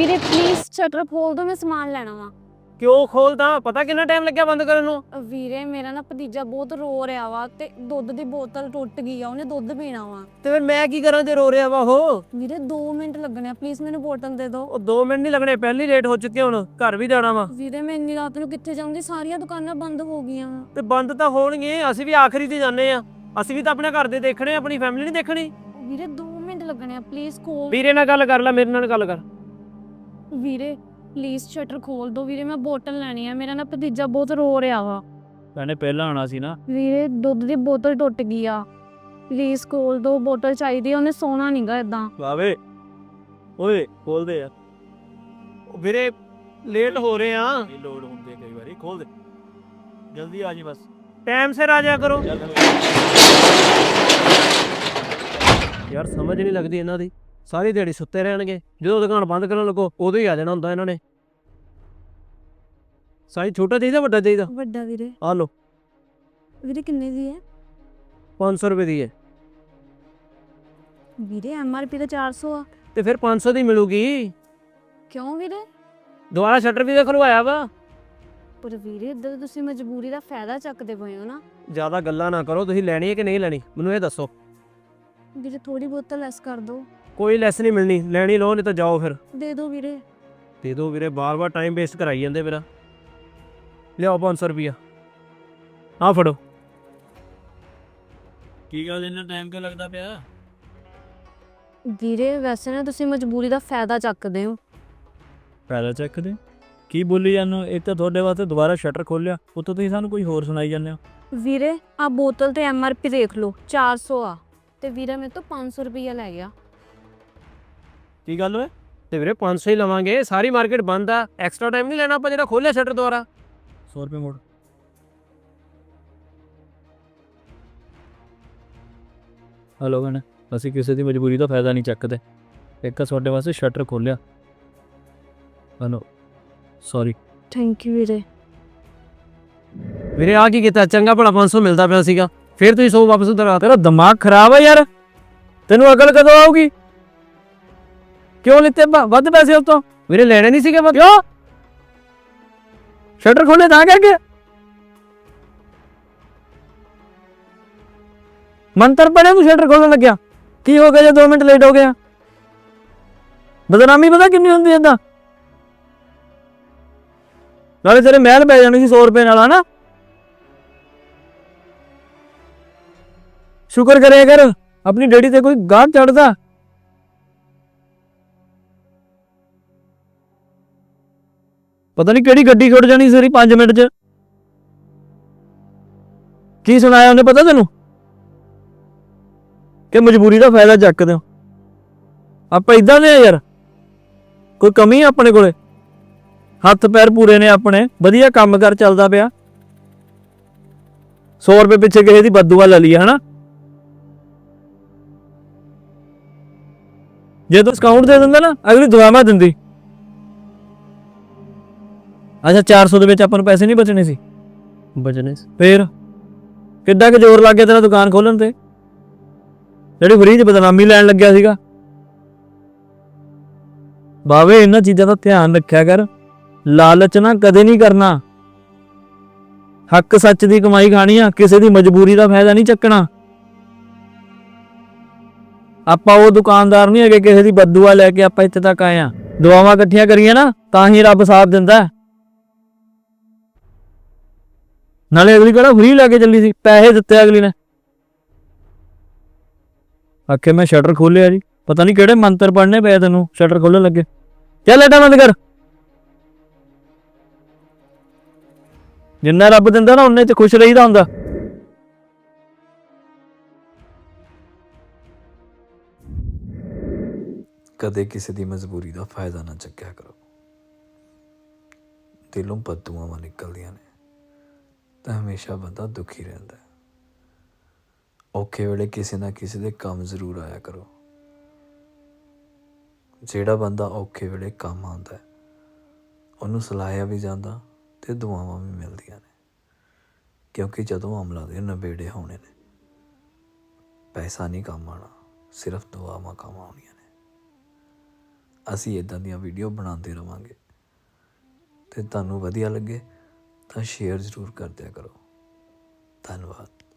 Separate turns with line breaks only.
ਵੀਰੇ please shutter ਖੋਲ ਦੋ, ਮੈਂ ਸਮਾਨ ਲੈਣਾ ਵਾ।
ਕਿਉਂ ਖੋਲਦਾ? ਪਤਾ ਕਿੰਨਾ ਟਾਈਮ ਲੱਗਿਆ ਬੰਦ ਕਰਨ ਨੂੰ?
ਵੀਰੇ ਮੇਰਾ ਨਾ ਭਤੀਜਾ ਬਹੁਤ ਰੋ ਰਿਹਾ ਵਾ ਤੇ ਦੁੱਧ ਦੀ ਬੋਤਲ ਟੁੱਟ ਗਈ ਆ, ਉਹਨੇ ਦੁੱਧ ਪੀਣਾ ਵਾ।
ਤੇ ਫਿਰ ਮੈਂ ਕੀ ਕਰਾਂ ਜੇ ਰੋ ਰਿਹਾ ਵਾ ਉਹ?
ਵੀਰੇ 2 ਮਿੰਟ ਲੱਗਣੇ ਆ, ਪਲੀਜ਼ ਮੈਨੂੰ ਬੋਤਲ ਦੇ ਦਿਓ।
ਉਹ 2 ਮਿੰਟ ਨਹੀਂ ਲੱਗਣੇ, ਪਹਿਲੀ ਲੇਟ ਹੋ ਚੁੱਕੇ, ਹੁਣ ਘਰ ਵੀ ਜਾਣਾ ਵਾ।
ਵੀਰੇ ਮੈਂ ਇੰਨੀ ਰਾਤ ਨੂੰ ਕਿੱਥੇ ਜਾਊਂਗੀ, ਸਾਰੀਆਂ ਦੁਕਾਨਾਂ ਬੰਦ ਹੋ ਗਈਆਂ ਵਾ।
ਤੇ ਬੰਦ ਤਾਂ ਹੋਣਗੇ, ਅਸੀਂ ਵੀ ਆਖਰੀ ਤੇ ਜਾਂਦੇ ਆ। ਅਸੀਂ ਵੀ ਤਾਂ ਆਪਣੇ ਘਰ ਦੇ ਦੇਖਣੇ, ਆਪਣੀ ਫੈਮਿਲੀ ਨਹੀਂ ਦੇਖਣੀ।
ਵੀਰੇ 2 ਮਿੰਟ ਲੱਗਣੇ ਆ, ਪਲੀਜ਼ ਖੋਲ।
ਵੀਰੇ ਨਾਲ ਗੱਲ ਕਰ ਲੈ, ਮੇਰੇ ਨਾਲ ਗੱਲ ਕਰ।
ਵੀਰੇ ਪਲੀਜ਼ ਸ਼ਟਰ ਖੋਲ ਦੋ ਵੀਰੇ, ਮੈਂ ਬੋਤਲ ਲੈਣੀ ਆ, ਮੇਰਾ ਨਾ ਭਤੀਜਾ ਬਹੁਤ ਰੋ ਰਿਹਾ ਵਾ।
ਮੈਨੇ ਪਹਿਲਾਂ ਆਉਣਾ ਸੀ ਨਾ।
ਵੀਰੇ ਦੁੱਧ ਦੀ ਬੋਤਲ ਟੁੱਟ ਗਈ ਆ, ਪਲੀਜ਼ ਖੋਲ ਦੋ, ਬੋਤਲ ਚਾਹੀਦੀ ਆ, ਉਹਨੇ ਸੋਣਾ ਨਹੀਂਗਾ ਇਦਾਂ।
ਵਾਵੇ ਓਏ ਖੋਲ ਦੇ ਯਾਰ। ਵੀਰੇ ਲੇਟ ਹੋ ਰਹੇ ਆ।
ਲੋਡ ਹੁੰਦੇ ਕਈ ਵਾਰੀ, ਖੋਲ ਦੇ ਜਲਦੀ ਆ ਜੀ ਬਸ।
ਟਾਈਮ ਸਿਰ ਆ ਜਾਇਆ ਕਰੋ ਯਾਰ, ਸਮਝ ਨਹੀਂ ਲੱਗਦੀ ਇਹਨਾਂ ਦੀ। ਸਾਰੀ ਦਿਹਾੜੀ ਸੁੱਤੇ ਰਹਿਣਗੇ, ਜਦੋਂ ਦੁਕਾਨ ਬੰਦ ਕਰਨ ਲੱਗੋ ਉਦੋਂ ਹੀ ਆ ਜਾਣਾ ਹੁੰਦਾ ਇਹਨਾਂ ਨੇ। ਸਾਈਜ਼ ਛੋਟਾ ਚਾਹੀਦਾ ਵੱਡਾ ਚਾਹੀਦਾ?
ਵੱਡਾ ਵੀਰੇ।
ਆ ਲਓ।
ਵੀਰੇ ਕਿੰਨੇ ਦੀ ਹੈ?
500 ਰੁਪਏ ਦੀ ਹੈ।
ਵੀਰੇ MRP ਤਾਂ 400 ਆ।
ਤੇ ਫਿਰ 500 ਦੀ ਮਿਲੂਗੀ।
ਕਿਉਂ ਵੀਰੇ?
ਦੁਬਾਰਾ ਸ਼ਟਰ ਵੀ ਤਾਂ ਖੁਲਵਾਇਆ ਵਾ।
ਪਰ ਵੀਰੇ ਇੱਦਾਂ ਤਾਂ ਤੁਸੀਂ ਮਜਬੂਰੀ ਦਾ ਫਾਇਦਾ ਚੱਕਦੇ ਪਏ ਹੋ ਨਾ।
ਜ਼ਿਆਦਾ ਗੱਲਾਂ ਨਾ ਕਰੋ, ਤੁਸੀਂ ਲੈਣੀ ਹੈ ਕਿ ਨਹੀਂ ਲੈਣੀ ਮੈਨੂੰ ਇਹ ਦੱਸੋ।
ਵੀਰੇ ਥੋੜੀ ਬੋਤਲ ਲੈਸ ਕਰ ਦੋ।
ਕੋਈ ਲੈਸ ਨਹੀਂ ਮਿਲਣੀ, ਲੈਣੀ ਲਓ ਨਹੀਂ ਤਾਂ ਜਾਓ ਫਿਰ।
ਦੇ ਦਿਓ ਵੀਰੇ।
ਦੇ ਦਿਓ ਵੀਰੇ, ਬਾਰ-ਬਾਰ ਟਾਈਮ ਵੇਸਟ ਕਰਾਈ ਜਾਂਦੇ ਮੇਰਾ। ਲਿਆਓ 500 ਰੁਪਿਆ, ਆਹ ਫੜੋ।
ਕੀ ਗੱਲ ਇੰਨਾ ਟਾਈਮ ਕਿਉਂ ਲੱਗਦਾ ਪਿਆ?
ਵੀਰੇ ਵੈਸੇ ਨਾ ਤੁਸੀਂ ਮਜਬੂਰੀ ਦਾ ਫਾਇਦਾ ਚੱਕਦੇ ਹੋ।
ਫਾਇਦਾ ਚੱਕਦੇ ਕੀ ਬੋਲੀ ਜਾਂਦੇ? ਇੱਕ ਤਾਂ ਤੁਹਾਡੇ ਵਾਸਤੇ ਦੁਬਾਰਾ ਸ਼ਟਰ ਖੋਲਿਆ, ਉੱਤੋਂ ਤੁਸੀਂ ਸਾਨੂੰ ਕੋਈ ਹੋਰ ਸੁਣਾਈ ਜਾਂਦੇ ਹੋ।
ਵੀਰੇ ਆ ਬੋਤਲ ਤੇ MRP ਦੇਖ ਲਓ 400 ਆ, ਤੇ ਵੀਰੇ ਮੇਰੇ ਤੋਂ 500 ਰੁਪਈਆ ਲੈ ਗਿਆ।
ਕੀ ਗੱਲ ਓਏ? ਤੇ ਵੀਰੇ 500 ਹੀ ਲਵਾਂਗੇ, ਸਾਰੀ ਮਾਰਕੀਟ ਬੰਦ ਆ। ਐਕਸਟਰਾ ਟਾਈਮ ਨਹੀਂ ਲੈਣਾ ਆਪਾਂ ਜਿਹੜਾ ਖੋਲਿਆ ਸ਼ਟਰ ਦੁਬਾਰਾ।
100 ਰੁਪਏ ਮੋੜ। ਹਲੋ ਗਣ, ਅਸੀਂ ਕਿਸੇ ਦੀ ਮਜਬੂਰੀ ਦਾ ਫਾਇਦਾ ਨਹੀਂ ਚੱਕਦੇ। ਇੱਕ ਤੁਹਾਡੇ ਵਾਸਤੇ ਸ਼ਟਰ ਖੋਲਿਆ। Hello sorry.
ਥੈਂਕ ਯੂ ਵੀਰੇ।
ਵੀਰੇ ਆ ਕੀ ਕੀਤਾ? ਚੰਗਾ ਭਲਾ 500 ਮਿਲਦਾ ਪਿਆ ਸੀਗਾ, ਫਿਰ ਤੁਸੀਂ 100 ਵਾਪਸ ਉਧਰ।
ਤੇਰਾ ਦਿਮਾਗ ਖਰਾਬ ਹੈ ਯਾਰ, ਤੈਨੂੰ ਅਕਲ ਕਦੋਂ ਆਊਗੀ? ਕਿਉਂ ਲਿੱਤੇ ਵੱਧ ਪੈਸੇ ਉਸ ਤੋਂ?
ਵੀਰੇ ਲੈਣੇ ਨਹੀਂ ਸੀਗੇ
ਕਿਉਂ? ਸ਼ਟਰ ਖੋਲੇ ਤਾਂ ਕਰਕੇ ਮੰਤਰ ਪੜਿਆ ਤੂੰ ਸ਼ਟਰ ਖੋਲਣ ਲੱਗਿਆ? ਕੀ ਹੋ ਗਿਆ ਜੇ 2 ਮਿੰਟ ਲੇਟ ਹੋ ਗਿਆ? ਬਦਨਾਮੀ ਪਤਾ ਕਿੰਨੀ ਹੁੰਦੀ ਏਦਾਂ? ਨਾਲੇ ਤੇਰੇ ਮਹਿਲ ਪੈ ਜਾਣੀ ਸੀ 100 ਰੁਪਏ ਨਾਲ, ਹਨਾ? ਸ਼ੁਕਰ ਕਰਿਆ ਕਰ ਆਪਣੀ ਡੈਡੀ ਤੇ ਕੋਈ ਗਾਹਕ ਚੜਦਾ। ਪਤਾ ਨਹੀਂ ਕਿਹੜੀ ਗੱਡੀ ਖੁੱਟ ਜਾਣੀ ਸੀ 5 ਮਿੰਟ 'ਚ। ਕੀ ਸੁਣਾਇਆ ਉਹਨੇ ਪਤਾ ਤੈਨੂੰ? ਕਿ ਮਜਬੂਰੀ ਦਾ ਫਾਇਦਾ ਚੱਕਦੇ ਹੋ। ਆਪਾਂ ਇਦਾਂ ਦੇ ਆ ਯਾਰ, ਕੋਈ ਕਮੀ ਆ ਆਪਣੇ ਕੋਲੇ? ਹੱਥ ਪੈਰ ਪੂਰੇ ਨੇ ਆਪਣੇ, ਵਧੀਆ ਕੰਮ ਕਰ ਚੱਲਦਾ ਪਿਆ। 100 ਰੁਪਏ ਪਿੱਛੇ ਕਿਸੇ ਦੀ ਬਦਦੁਆ ਲੈ ਲਈ, ਹਨਾ? ਜੇ ਤੂੰ ਡਿਸਕਾਊਂਟ ਦੇ ਦਿੰਦਾ ਨਾ, ਅਗਲੀ ਦੁਆਵਾਂ ਦਿੰਦੀ। ਅੱਛਾ 400 ਦੇ ਵਿੱਚ ਆਪਾਂ ਨੂੰ ਪੈਸੇ ਨਹੀਂ ਬਚਣੇ ਸੀ?
ਬਚਨੇ ਸੀ।
ਫੇਰ ਕਿੱਡਾ ਕਿ ਜ਼ੋਰ ਲੱਗ ਗਿਆ ਤੇਰਾ ਦੁਕਾਨ ਖੋਲਣ ਤੇ, ਜਿਹੜੀ ਫਰੀ 'ਚ ਬਦਨਾਮੀ ਲੈਣ ਲੱਗਿਆ ਸੀਗਾ। ਬਾਵੇ ਇਹਨਾਂ ਚੀਜ਼ਾਂ ਦਾ ਧਿਆਨ ਰੱਖਿਆ ਕਰ, ਲਾਲਚ ਨਾ ਕਦੇ ਨਹੀਂ ਕਰਨਾ। ਹੱਕ ਸੱਚ ਦੀ ਕਮਾਈ ਖਾਣੀ ਆ, ਕਿਸੇ ਦੀ ਮਜਬੂਰੀ ਦਾ ਫਾਇਦਾ ਨਹੀਂ ਚੱਕਣਾ। ਆਪਾਂ ਉਹ ਦੁਕਾਨਦਾਰ ਨਹੀਂ ਹੈਗੇ ਕਿਸੇ ਦੀ ਬਦਦੁਆ ਲੈ ਕੇ ਆਪਾਂ ਇੱਥੇ ਤੱਕ ਆਏ ਆ। ਦੁਆਵਾਂ ਇਕੱਠੀਆਂ ਕਰੀਏ ਨਾ ਤਾਂ ਹੀ ਰੱਬ ਸਾਥ ਦਿੰਦਾ। ਨਾਲੇ ਅਗਲੀ ਕਿਹੜਾ ਫਰੀ ਲੈ ਕੇ ਚੱਲੀ ਸੀ, ਪੈਸੇ ਦਿੱਤੇ ਅਗਲੀ ਨੇ। ਆਖੇ ਮੈਂ ਸ਼ਟਰ ਖੋਲਿਆ ਜੀ, ਪਤਾ ਨਹੀਂ ਕਿਹੜੇ ਮੰਤਰ ਪੜਨੇ ਪਏ ਤੈਨੂੰ ਸ਼ਟਰ ਖੋਲਣ ਲੱਗੇ। ਚੱਲ ਏਦਾਂ ਬੰਦ ਕਰ। ਜਿੰਨਾ ਰੱਬ ਦਿੰਦਾ ਨਾ ਉਹਨੇ 'ਚ ਖੁਸ਼ ਰਹੀਦਾ ਹੁੰਦਾ।
ਕਦੇ ਕਿਸੇ ਦੀ ਮਜਬੂਰੀ ਦਾ ਫਾਇਦਾ ਨਾ ਚੱਕਿਆ ਕਰੋ। ਦਿਲੋਂ ਬਦਦੁਆਵਾਂ ਨਿਕਲਦੀਆਂ ਨੇ ਤਾਂ ਹਮੇਸ਼ਾ ਬੰਦਾ ਦੁਖੀ ਰਹਿੰਦਾ ਹੈ। ਔਖੇ ਵੇਲੇ ਕਿਸੇ ਨਾ ਕਿਸੇ ਦੇ ਕੰਮ ਜ਼ਰੂਰ ਆਇਆ ਕਰੋ। ਜਿਹੜਾ ਬੰਦਾ ਔਖੇ ਵੇਲੇ ਕੰਮ ਆਉਂਦਾ ਹੈ ਉਹਨੂੰ ਸਲਾਹਿਆ ਵੀ ਜਾਂਦਾ ਤੇ ਦੁਆਵਾਂ ਵੀ ਮਿਲਦੀਆਂ ਨੇ। ਕਿਉਂਕਿ ਜਦੋਂ ਅਮਲਾਂ ਦੇ ਨਬੇੜੇ ਹੋਣੇ ਨੇ, ਪੈਸਾ ਨਹੀਂ ਕੰਮ ਆਉਣਾ, ਸਿਰਫ ਦੁਆਵਾਂ ਕੰਮ ਆਉਣੀਆਂ ਨੇ। ਅਸੀਂ ਇਦਾਂ ਦੀਆਂ ਵੀਡੀਓ ਬਣਾਉਂਦੇ ਰਵਾਂਗੇ। ਤੇ ਤੁਹਾਨੂੰ ਵਧੀਆ ਲੱਗੇ ਤਾਂ ਸ਼ੇਅਰ ਜ਼ਰੂਰ ਕਰ ਦਿਆ ਕਰੋ। ਧੰਨਵਾਦ।